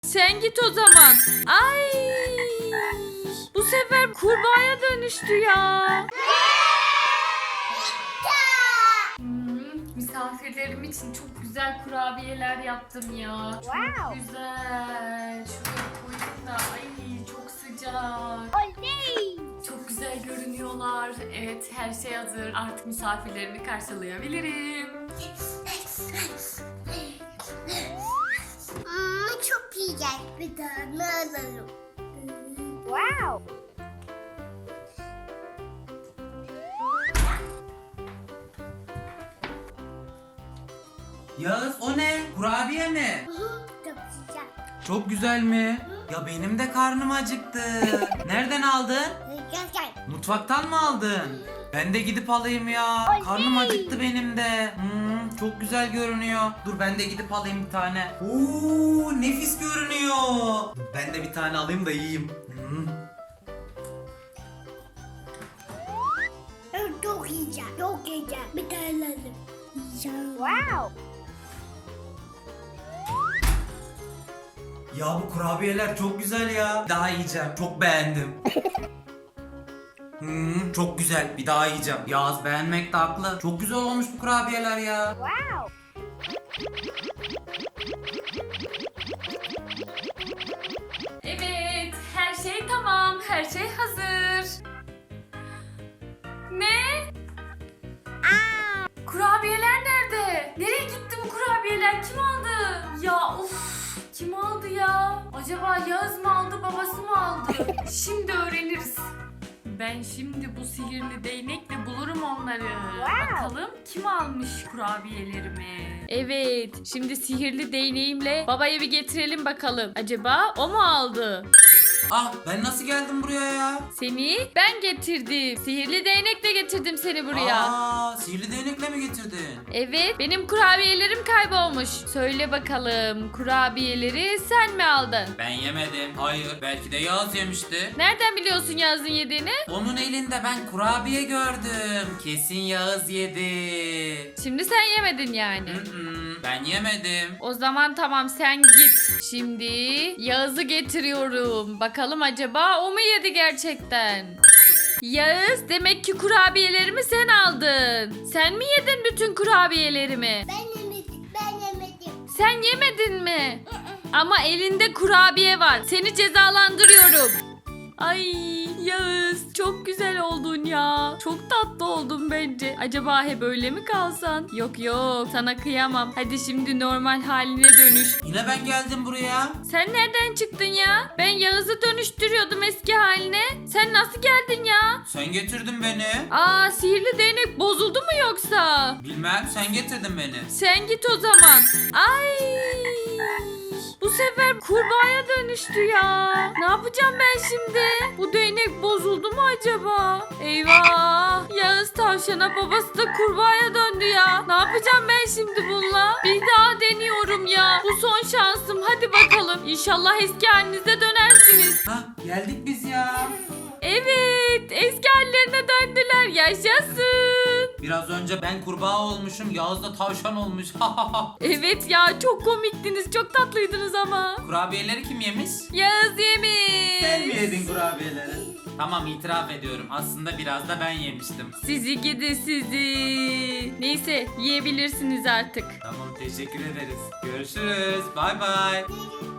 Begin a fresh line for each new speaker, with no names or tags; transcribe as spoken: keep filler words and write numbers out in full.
Sen git o zaman. Ay. Bu sefer kurbağaya dönüştü ya. Hmm, misafirlerim için çok güzel kurabiyeler yaptım ya. Çok
Wow.
güzel. Şuraya koydum da ay çok sıcak.
Oley!
Çok güzel görünüyorlar. Evet, her şey hazır. Artık misafirlerimi karşılayabilirim.
Hmm, çok güzel. Bir tane alalım. Wow.
Yağız o ne? Kurabiye mi?
Çok güzel.
Çok güzel mi? Ya benim de karnım acıktı. Nereden aldın?
Gel gel.
Mutfaktan mı aldın? Ben de gidip alayım ya. Karnım acıktı benim de. Hmm, çok güzel görünüyor. Dur ben de gidip alayım bir tane. Oo, nefis görünüyor. Dur, ben de bir tane alayım da yiyeyim. Hmm.
Çok güzel. Çok güzel. Bir tane alalım. Wow.
Ya bu kurabiyeler çok güzel ya. Bir daha yiyeceğim. Çok beğendim. Hmm, çok güzel. Bir daha yiyeceğim. Yağız beğenmek de haklı. Çok güzel olmuş bu kurabiyeler ya.
Wow.
Evet, her şey tamam. Her şey hazır. Ne? Kurabiyeler nerede? Nereye gitti bu kurabiyeler? Kim aldı? Ya of, kim aldı ya? Acaba Yağız mı aldı, babası mı aldı? Şimdi öğreniriz. Ben şimdi bu sihirli değnekle bulurum onları.
Wow.
Bakalım kim almış kurabiyelerimi? Evet, şimdi sihirli değneğimle babaya bir getirelim bakalım. Acaba o mu aldı?
Ah, ben nasıl geldim buraya ya?
Seni ben getirdim. Sihirli değnekle getirdim seni buraya.
Aa, sihirli değnekle mi getirdin?
Evet, benim kurabiyelerim kaybolmuş. Söyle bakalım, kurabiyeleri sen mi aldın?
Ben yemedim. Hayır, belki de Yağız yemişti.
Nereden biliyorsun Yağız'ın yediğini?
Onun elinde ben kurabiye gördüm. Kesin Yağız yedi.
Şimdi sen yemedin yani.
Mm-mm, ben yemedim.
O zaman tamam, sen git. Şimdi Yağız'ı getiriyorum. Bakalım acaba o mu yedi gerçekten? Yağız, demek ki kurabiyelerimi sen aldın. Sen mi yedin bütün kurabiyelerimi?
Ben yemedim. Ben yemedim.
Sen yemedin mi? Ama elinde kurabiye var. Seni cezalandırıyorum. Ay Yağız, çok güzel oldun ya. Çok tatlı oldun bence. Acaba hep öyle mi kalsan? Yok yok, sana kıyamam. Hadi şimdi normal haline dönüş.
Yine ben geldim buraya.
Sen nereden çıktın ya? Ben Yağız'ı dönüştürüyordum eski haline. Sen nasıl geldin ya?
Sen getirdin beni.
Aa, sihirli değnek bozuldu mu yoksa?
Bilmem, sen getirdin beni.
Sen git o zaman. Ay! Bu sefer kurbağaya dönüştü ya. Ne yapacağım ben şimdi? Bu değnek bozuldu mu acaba? Eyvah! Yağız tavşana, babası da kurbağaya döndü ya. Ne yapacağım ben şimdi bununla? Bir daha deniyorum ya. Bu son şansım. Hadi bakalım. İnşallah eski halinize dönersiniz.
Hah, geldik biz ya.
Evet, eski hallerine döndüler. Yaşasın.
Biraz önce ben kurbağa olmuşum, Yağız da tavşan olmuş.
Evet ya, çok komiktiniz. Çok tatlıydınız ama.
Kurabiyeleri kim yemiş?
Yağız yemiş.
Sen mi yedin kurabiyeleri? Tamam, itiraf ediyorum. Aslında biraz da ben yemiştim.
Sizi gidi sizi. Neyse, yiyebilirsiniz artık.
Tamam, teşekkür ederiz. Görüşürüz. Bay bay.